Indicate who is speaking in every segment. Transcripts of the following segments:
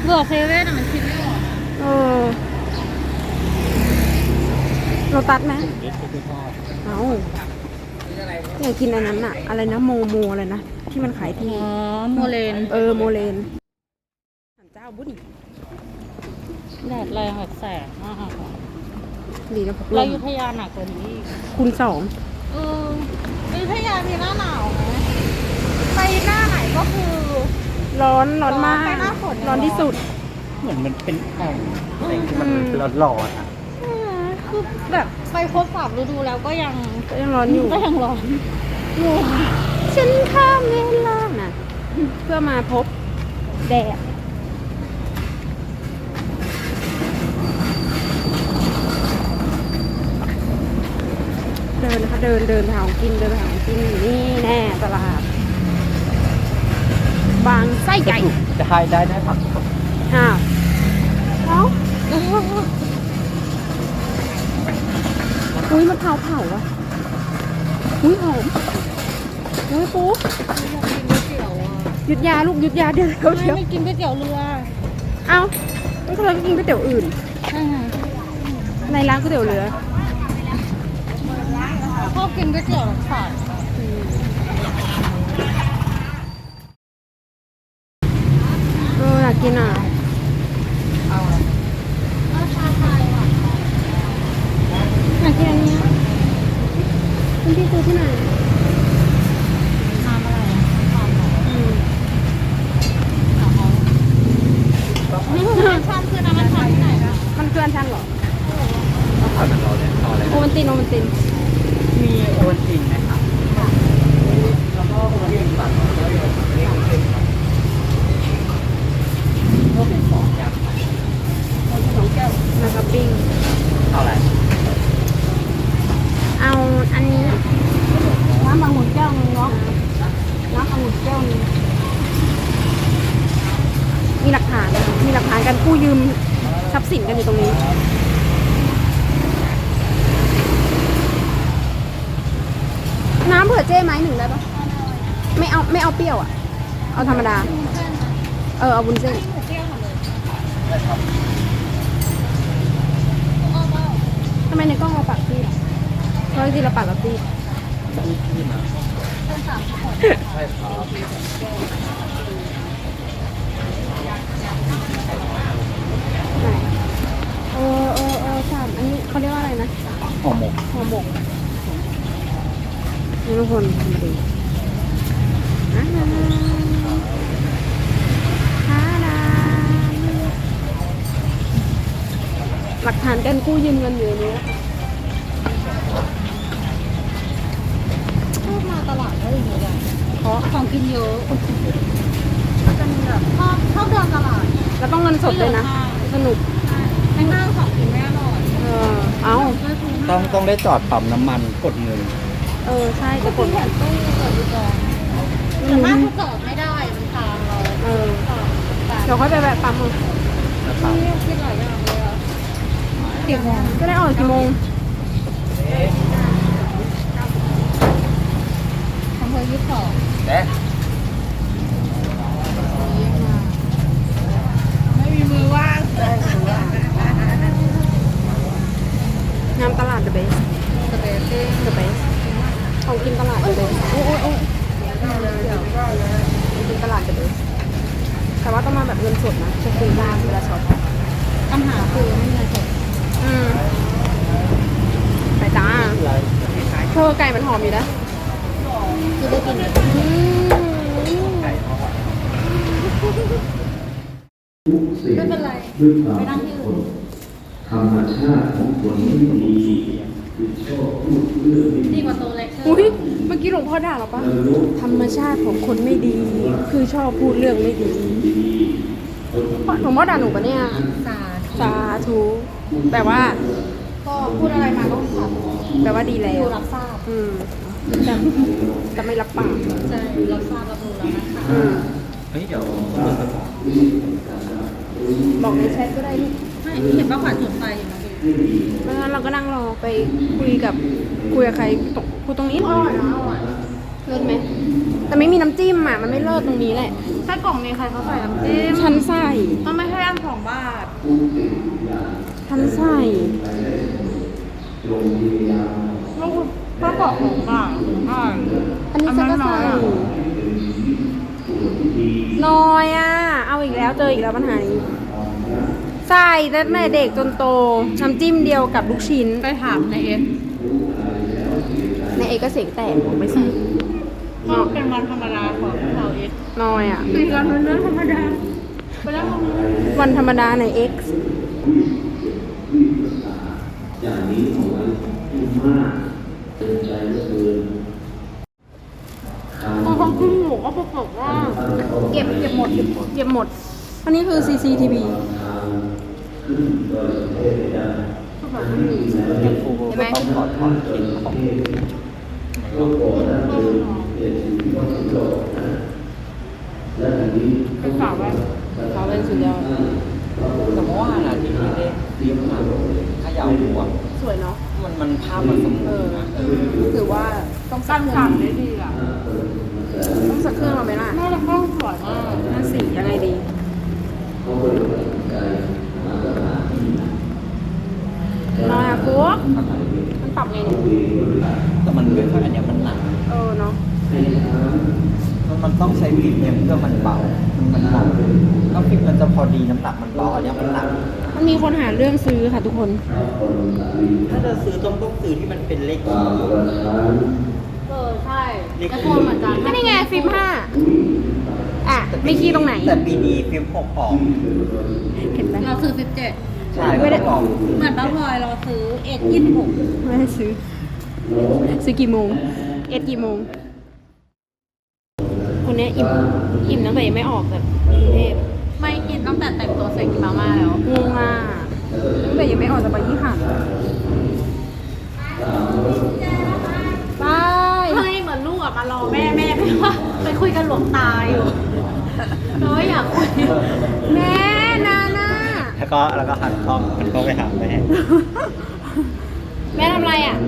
Speaker 1: เบื่อเซเว่นอะมันคิดไม่ออก
Speaker 2: เออโลตัสไหมเอาอยากกินอันนั้นอะอะไรนะโมอะไรนะที่มันขายที่
Speaker 1: อ๋อโมเลน
Speaker 2: โมเลนสันเจ้าบุญ
Speaker 1: แดดแรงแบบแสบมาก
Speaker 2: ดีนะพกล
Speaker 1: เราอ
Speaker 2: ม
Speaker 1: ยุธยาหนักกว่านี้อีก
Speaker 2: คูณ2
Speaker 1: เอออยุธยามีหน้าหนาวไหมไปหน้าไหนก็คือ
Speaker 2: ร้อนมาก
Speaker 1: ไปหน้าฝน
Speaker 2: ร้อนที่สุด
Speaker 3: เหมือนมันเป็นแอ่งอะไรที่มันร้อนๆอ่ะ
Speaker 1: คือแบบไปครบ3 ฤดูแล้วก็ยัง
Speaker 2: ร้อนอยู่
Speaker 1: ก็ยังร้อนงง
Speaker 2: ฉันข้ามเวลาน่ะ เพื่อมาพบแดดเดินนะคะเดินไปหาของกินเดินไปหาของกินนี่แน่ตลาดบางไส้ไก่
Speaker 3: จะให้ได้ผัก
Speaker 2: อ้าวเอ้าอุ้ยมะพร้าวเผาอ่ะอุ้ยหอมอุ้ยปุ๊บ หยุดยาลูกหยุดยาเดี๋ยว
Speaker 1: ไม่กินก๋วยเตี๋ยวเรือ
Speaker 2: เอ้าต้องเราไปกินก๋วยเตี๋ยวอื่น
Speaker 1: ใช่ไง
Speaker 2: ในร้านก๋วยเตี๋ยวเรือ
Speaker 1: ชอบกินก๋วยเตี๋ยวหลังฝาด
Speaker 2: อยากกินอ่ะ อยากกินอันนี้คุณพี่ซื้อที่ไหน
Speaker 1: ทำอะไร
Speaker 2: อืม
Speaker 1: นี่คือน้ำชันคือน้ำชันที่ไหนคะ
Speaker 2: มันเกลือนชันเหรอ
Speaker 3: ต้องผัดมันร้อนเลยเอาอะไร
Speaker 2: โอวันติน
Speaker 3: มีโอวัลตินไหมครับแล้วก็โอวัลตินปั่นแล้วก็พวกเป็นของยำ
Speaker 2: 2 แก้วนะครับปิ้ง
Speaker 3: เอาอะไร
Speaker 2: เอาอันนี้น้ำองุ่นแก้วนึงเนาะน้ำองุ่นแก้วนึงมีหลักฐานการกู้ยืมทรัพย์สินกันอยู่ตรงนี้ น้ำเผื่อเจ้ไหม1ได้ปะไม่เอาเปรี้ยวอ่ะ เอาธรรมดา เอาวุ้นเส้นทำไมในกล้องเราปักที่ล่ะเพราะจริงๆเราปักกับที่
Speaker 3: ที่นะใช่ครับ
Speaker 2: ไหนสามอันนี้เขาเรียกว่าอะไรนะ
Speaker 3: ห่อหมก
Speaker 2: ห่อหมกนี่ทุกคนมาดูหลักฐานการกู้ยืมเงินอยู่ในนี้
Speaker 1: ชอบมาตลาดได้อย่างเงี้ย
Speaker 2: เพราะ
Speaker 1: ของกินเยอะเป็นแบบชอบเดินตลาด
Speaker 2: แล้วต้องเงินสดเลยนะ สนุก
Speaker 1: ในห้างของกินไม่อร่อย
Speaker 2: เอา
Speaker 3: ต้องได้จอดปั๊มน้ำมันกดเงิน
Speaker 2: ใช่จะกด
Speaker 1: แผ่นตู้เปิดดูก่อนแต่มากถ้าจอดไม่ได้มันทางเรา
Speaker 2: เดี๋ยวค่อยไปแวะปั๊มเอา
Speaker 3: นะครับ
Speaker 1: ที่คิดหลายอย่างเลยอะกี่โมง
Speaker 2: จะได้ออกกี่โมง
Speaker 1: อำเภอ22
Speaker 3: เอ๊ะ
Speaker 1: ไม่มีมือว่าง
Speaker 2: งามตลาด The Best
Speaker 1: สเปซซิ่ง
Speaker 2: The Best ของกินตลาด The Best โอ้ของกินตลาด The Best แต่ว่าต้องมาแบบเงินสดนะจะคุยได้เวลาช็อป
Speaker 1: ปัญหาคือไม่มีเงินสด
Speaker 2: ไปจ้าเธอไก่มันหอมอยู่นะ
Speaker 1: คือได้กิน
Speaker 4: ทุกสิ่ง
Speaker 1: ไม่เป็นไร
Speaker 4: ด้วยความ
Speaker 1: ไปนั่งที่อื่น
Speaker 4: ธรรมชาติของคนไม่ดีคือชอบพูดเรื่องไม่
Speaker 1: ดี
Speaker 4: ดี
Speaker 1: กว่าโตเล็กเชอ
Speaker 2: อุ้ย
Speaker 1: ร์
Speaker 2: เมื่อกี้หลวงพ่อด่าเราปะธรรมชาติของคนไม่ดี คือชอบพูดเรื่องไม่ดีหลวงพ่อด่าหนูปะเนี่ย
Speaker 1: สา
Speaker 2: สาธุแปลว่า
Speaker 1: ก็พูดอะไรมาก็สาธุ
Speaker 2: แปลว่าดีแล้ว
Speaker 1: ดูรับทราบ
Speaker 2: แต่จะไม่รับปาก
Speaker 1: ใช่รับทราบรับรู้แล้วนะคะ
Speaker 3: เฮ้ยเดี๋ยว
Speaker 2: บอกในแชทก็ได้ลูก
Speaker 1: ไม่เห็นป้าขวัญจุดไฟอยู่เมื่อกี้
Speaker 2: ไม่งั้นเราก็นั่งรอไปคุยกับใครคุยตรงนี้
Speaker 1: อร่อยนะอร่อย
Speaker 2: เลิศไหมแต่ไม่มีน้ำจิ้มอ่ะมันไม่เลิศตรงนี้แหละ
Speaker 1: ไส้กรอกนี้ใครเขาใส่น้ำจิ้ม
Speaker 2: ฉันใส่
Speaker 1: มันไม่ใช่อัน2 บาท
Speaker 2: ฉันใส่
Speaker 1: ลูกไส้กรอก2 บาท
Speaker 2: อันนี้ฉันก็ใส่น้อยอ่ะเอาอีกแล้วเจออีกแล้วปัญหานี้ใส่ตั้งแต่เด็กจนโตน้ำจิ้มเดียวกับลูกชิ้น
Speaker 1: ไปถามในเอ็น
Speaker 2: ในเอก็เสียงแตกบอกไม่ใส่
Speaker 1: ก็เป็นวันธรรมดาของเราเอ็น
Speaker 2: น้อยอ่ะ
Speaker 1: ตีกันเป็นเรื่องธรรมดาไปแล้ว
Speaker 2: วันธรรมดาใน X
Speaker 4: อย่างนี้เอาไว้ที่มากเป็นใจเหลือเกิน
Speaker 1: เขากินหมูก็ปกติว่า
Speaker 2: เก็บหมดเก็บหมด อันนี้คือ CCTV
Speaker 4: ขึ้นโดยเทพเจ้า
Speaker 3: ยังครูก็ต้องถอดถอนเข็มของ
Speaker 4: ก็ก่อนนั้นคือเด็กที่ว่าสุดยอดนะและทีนี้
Speaker 1: ไปฝากไว้
Speaker 2: เขาเป็นสุดยอด
Speaker 3: แต่เมื่อวานอ่ะที่พี่ได้เตรียมมาขยาวหัว
Speaker 2: สวยเนาะ
Speaker 3: มันภาพมันสมบูรณ์นะ
Speaker 2: ถือว่าต้อง
Speaker 1: กั้นสั่งได้ดีอ่ะ
Speaker 2: ต้องสักเครื่องเราไหมล่ะ
Speaker 1: น่าจะเข้าสวยมาก
Speaker 2: น่าสียังไงดี
Speaker 4: เขาก็เลยตัดสินใจมาสถานที่
Speaker 2: น้อยอ่ะกุ๊กมันปรับไงเนี่ย
Speaker 3: แต่มันไม่ค่อยอันเนี้ยมันหนัก
Speaker 2: เนาะ
Speaker 3: มันต้องใช้ฟิล์มเนี่ยเพื่อมันเบา มันเบาถ้าฟิล์มมันจะพอดีน้ำหนักมันเบาอันเนี้ยมันหนัก
Speaker 2: มันมีคนหาเรื่องซื้อค่ะทุกคน
Speaker 3: ถ้าจะซื้อต้องซื้อที่มันเป็นเลขคีย์
Speaker 1: ใช่กระโทนเหมือนกัน
Speaker 2: ก็นี่ไงฟิล์ม5อ่ะไม่ขี้ตรงไหน
Speaker 3: แต่ปีนี้ฟิล์ม6ออก
Speaker 2: เห็นไหม
Speaker 1: เราซื้อ17
Speaker 3: ใช่ก็ต้องลอง
Speaker 1: เหมือนป้าพลอยเราซื้อเอ็ด26
Speaker 2: ไม่ได้ซื้อ ซื้อกี่โมง เอ็ดกี่โมง คนเนี้ยอิ่มตั้งแต่ยังไม่ออกจากกรุงเทพ
Speaker 1: ไม่กินตั้งแต่แต่งตัวเสร็จกินมาม่าแล้ว
Speaker 2: งงอ่ะตั้งแต่ยังไม่ออกจากไปยี่ห้าไป
Speaker 1: เฮ้ยเหมือนลูกอะมารอแม่ไปว่าไปคุยกันหลวงตาอยู่เราไม่อยากคุย
Speaker 2: แม่นาน่า
Speaker 3: แล้วก็หันกล้องไปหาแม่
Speaker 2: แม่ทำอะไรอ่ะ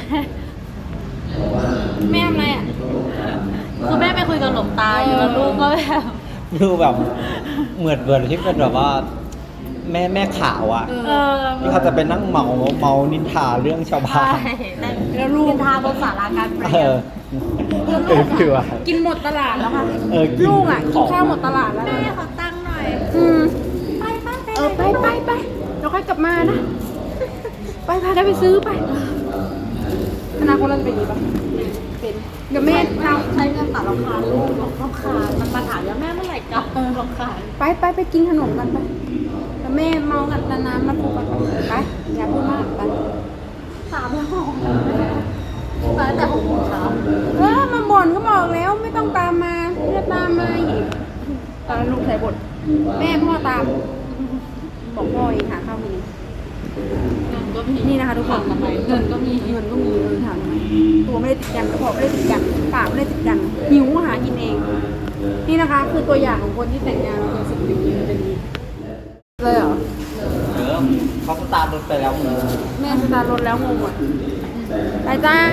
Speaker 2: แม่ทำอะไรอ่ะ
Speaker 1: คือแม่ไปคุยกับหลวงตาอยู่แล้วลูกก็แบบ
Speaker 3: ดูแบบเหมือนที่เป็นแบบว่าแม่ขาวอ่ะ ที่เขาจะไปนั่งเมานินทาเรื่องชาวบ้า
Speaker 1: ใช่
Speaker 3: น
Speaker 2: แล้วลูก
Speaker 1: กินทาบนศาลาการประ
Speaker 3: เอ
Speaker 1: เรีย
Speaker 3: อน คือว่า
Speaker 2: กินหมดตลาดแล้วค่ะ
Speaker 3: กิน
Speaker 2: ลูกอ่ะ กินข้าวหมดตลาดแล้ว
Speaker 1: แม่
Speaker 2: นะ
Speaker 1: ขอตั้งหน่อย
Speaker 2: อืม
Speaker 1: ไป
Speaker 2: ไปเราค่อยกลับมานะ ไปพาได้ไปซื้อไปอนาคตเราจะเป็นอย่างนี้ปะเป็นเดี๋ยวแม่ทำ
Speaker 1: ใช้เงินตัดราคาลูกรำคาญมันมาถามว่าแม่เมื่อไหร่กลับรำคาญ
Speaker 2: ไปกินขนมกันไปแล้วแม่เมากับน้ำมาพูดกันไปอย่าพูดมากไป
Speaker 1: 3 แล้วมาตั้งแต่6 โมงเช้า
Speaker 2: มาบ่นก็บอกแล้วไม่ต้องตามมาไม่ต้องตามมาอีกตอนนั้นลูกใส่บทแม่พ่อตาม บอกพ่อเองหาข้าวกิน
Speaker 1: เงินก็มี
Speaker 2: นี่นะคะทุกคน
Speaker 1: ทำไมเงินก็มี
Speaker 2: เงินก็มีถามทำไมตัวไม่ได้ติดกันกระเพาะไม่ได้ติดกันปากไม่ได้ติดกันหิวหากินเอง นี่นะคะ คือตัวอย่างของคนที่แต่งงานมาเป็น10 ปีเป็นนี้เลยเหรอ
Speaker 3: เขาสตาร์ทรถไปแล้วมึง
Speaker 2: แม่สตาร์ทรถแล้วงงหมดไปจ้า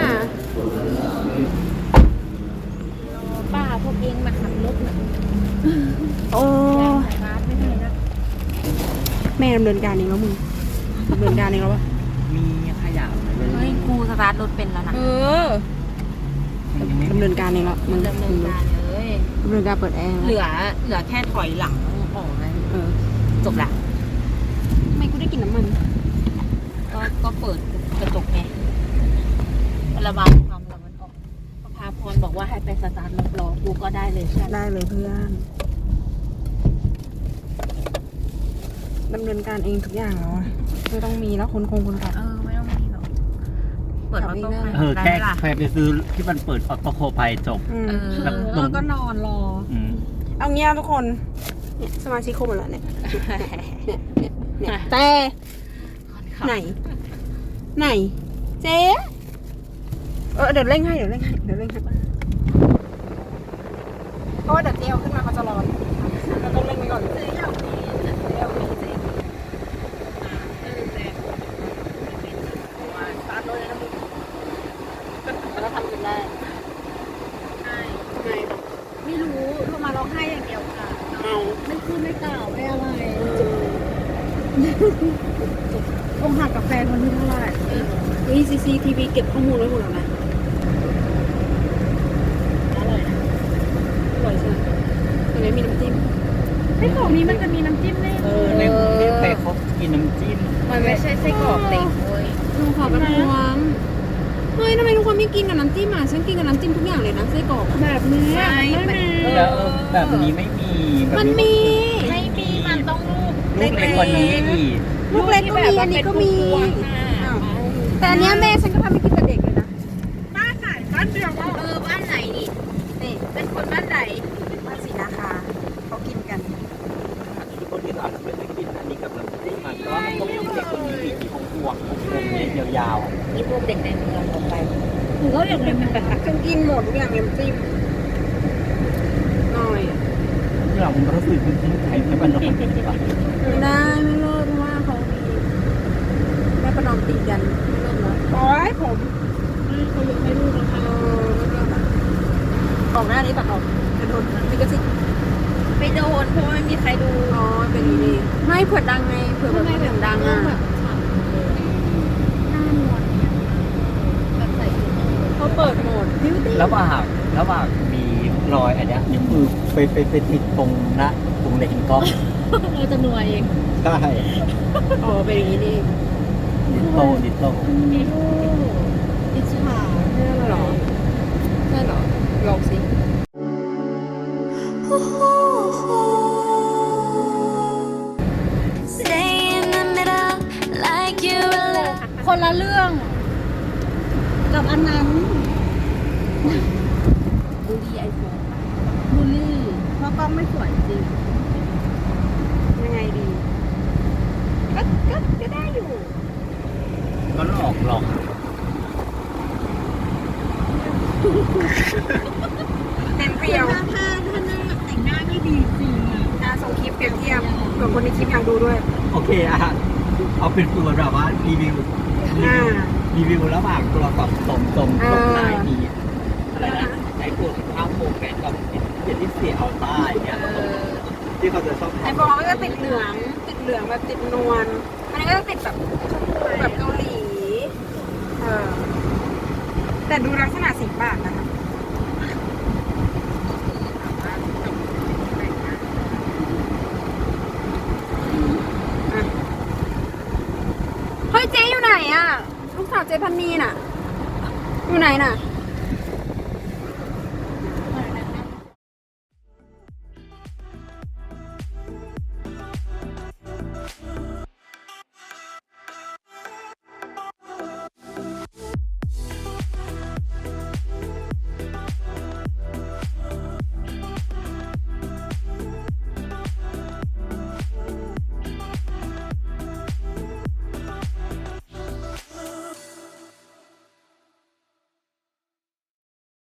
Speaker 1: ป้าพวกเองมาขับรถนะ
Speaker 2: โอ้
Speaker 1: ร้านไม่ได้นะ
Speaker 2: แม่ดำเนินการเองแล้วมึงดำเนินการเองแล้วปะ
Speaker 3: มีขยะไหม
Speaker 1: เฮ้ยครูสตาร์ทรถเป็นแล้วนะ
Speaker 2: ดำเนินการเองแล้วมึง
Speaker 1: ดำเนินการเลย
Speaker 2: ดำเนินการเปิดแอร์
Speaker 1: เหลือแค่ถอยหลังออกนะ จบละ
Speaker 2: ทำไมกูได้กลินน้ำมัน
Speaker 1: ก็เปิดกระจกไงระบายความร้อนออกพาพรบอกว่าให้ไปสตาร์ทรถรอกูก็ได้เลยใช่ไหม
Speaker 2: ได้เลยเพื่อนดำเนินการเองทุกอย่างแล้วอะไม่ต้องมีแล้วคนขับ
Speaker 1: ไม่ต้องมีหรอกเปิดออโต้ไพล
Speaker 3: เอ
Speaker 1: อ
Speaker 3: อ
Speaker 1: ตได้
Speaker 3: แค่
Speaker 1: ไหมล่ะ
Speaker 3: ใครไปซื้อที่มันเปิดออโต้โคไพจบ
Speaker 2: อืม
Speaker 1: แล้วก็นอนรอ
Speaker 3: อืม
Speaker 2: เอางี้ทุกคนเนี่ยสมาชิกครบหมดแล้วเนี่ยเนี่ยแต่ไหนเจ๊เดี๋ยวเร่งให้เพราะว่าเดี๋ยวเจ๊เอาขึ้นมาเขาจะร้อนเราต้องเร่งไว้ก่อนเราทำกันได้องหักกับแฟนคนที่เท่าไหร่เฮ้ย CCTV เก็บข้อมูลไว้หมดแล้วนะ
Speaker 1: อร่อยนะ
Speaker 2: อร่อยใช่ไหมตรงนี้มีน้ำจิ้มไส้กรอกนี้มันจะมีน้ำจิ้มแน่
Speaker 3: ในกรุงเทพไปเขากินน้ำจิ้ม
Speaker 1: มันไม่ใช่ไส้กรอกเต็มเว้ย
Speaker 2: ลุงขอประท้วงเฮ้ยทำไมทุกคนไม่กินกับน้ำจิ้มอ่ะฉันกินกับน้ำจิ้มทุกอย่างเลยนะไส้กรอกแบบนี้
Speaker 1: ไม่
Speaker 3: แล้วแบบนี้ไม่มีแบบ
Speaker 2: มันมี
Speaker 1: ไม่มีมันต้องลูก
Speaker 3: ลูกเล็กกว่านี้อีก
Speaker 2: ลูกเล็กก็มีอันนี้ก็มีอ้าวแต่อันเนี้ยแม่ฉันก็ทำให้กินแต่เด็กเลยนะ
Speaker 1: บ้านไหนบ้านเดียวบ้านไหนนี่
Speaker 2: นี่
Speaker 1: เป็นคนบ้านไหน
Speaker 2: บ้านศรีนาคาเขากินกัน
Speaker 3: ทุกคนที่อาจจะไม่ได้กินอันนี้กับน้ำจิ้มมันแต่ว่ามันก็มีเด็กคนนี้อีกที่พวงเนี่ยยาว
Speaker 1: นี่พวกเด็กในเมืองลงไป
Speaker 2: หนูก็อยากกินฉันกินหมดทุกอย่างน้ำจิ้มหน่อย
Speaker 3: ๆเรามันรู้สึกเป็นที่ไทยแค่บ้านนอก
Speaker 2: ไม่ได้ไม่เลิกเพราะว่าเขามีแม่ประนอมตีกันไม่เลิกนะโอ้ยผมเขายกให้ลูกแล้วค่ะไม่เลิกอะออกหน้านี้ตัดออกจะโดนลิขสิทธิ์
Speaker 1: ไปโดนเพราะว่าไม่มีใครดู
Speaker 2: อ๋อเป็นอย่างนี้ไม่เผื่อดังไงเผื่อแบบเสียงดังอ่ะ
Speaker 1: แบบใส่ชุด
Speaker 2: เขาเปิดโหมดบิวตี้
Speaker 3: ระหว่างมีรอยอันเนี้ยนิ้วมือไปติดตรงหน้าตรงเลนกล้อง
Speaker 1: เราจะนัวเอง
Speaker 3: ใช่
Speaker 2: อ๋อเป็นอย่างนี้นี่
Speaker 3: นิดโต
Speaker 1: อิจฉา
Speaker 2: ใช่เหรอใช่เหรอลองสิ
Speaker 5: Stay in the middle like you're alive.
Speaker 2: คนละเรื่องกับอันนั้น
Speaker 1: บูลลี่ไอโฟน
Speaker 2: บูลลี่เพราะกล้องไม่สวยจริงยังไงดีก็ได้อยู่
Speaker 3: ก็หลอก
Speaker 2: เต็มเปรียว
Speaker 1: ถ้าแต่งหน้าไม่ดีจริงอ่ะ
Speaker 2: ส่งคลิปเปรียบเทียบเผื่อคนในคลิปอยากดูด้วย
Speaker 3: โอเคอะเอาเป็นตัวแบบว่ารีวิวระหว่างตัวตอบตรงนายมีอะไรนะไอ้พวกข้าวโพดแกงกับเจลลี่เสียเอาใต้เนี่ยที่เขาจะชอบ
Speaker 2: ไอโฟนก็จะติดเหลืองแบบติดนวลอันนี้ก็จะติดแบบเกาหลีแต่ดูลักษณะสีปากนะคะเฮ้ยเจ๊อยู่ไหนอะลูกสาวเจ๊พันนีน่ะ อยู่ไหนน่ะ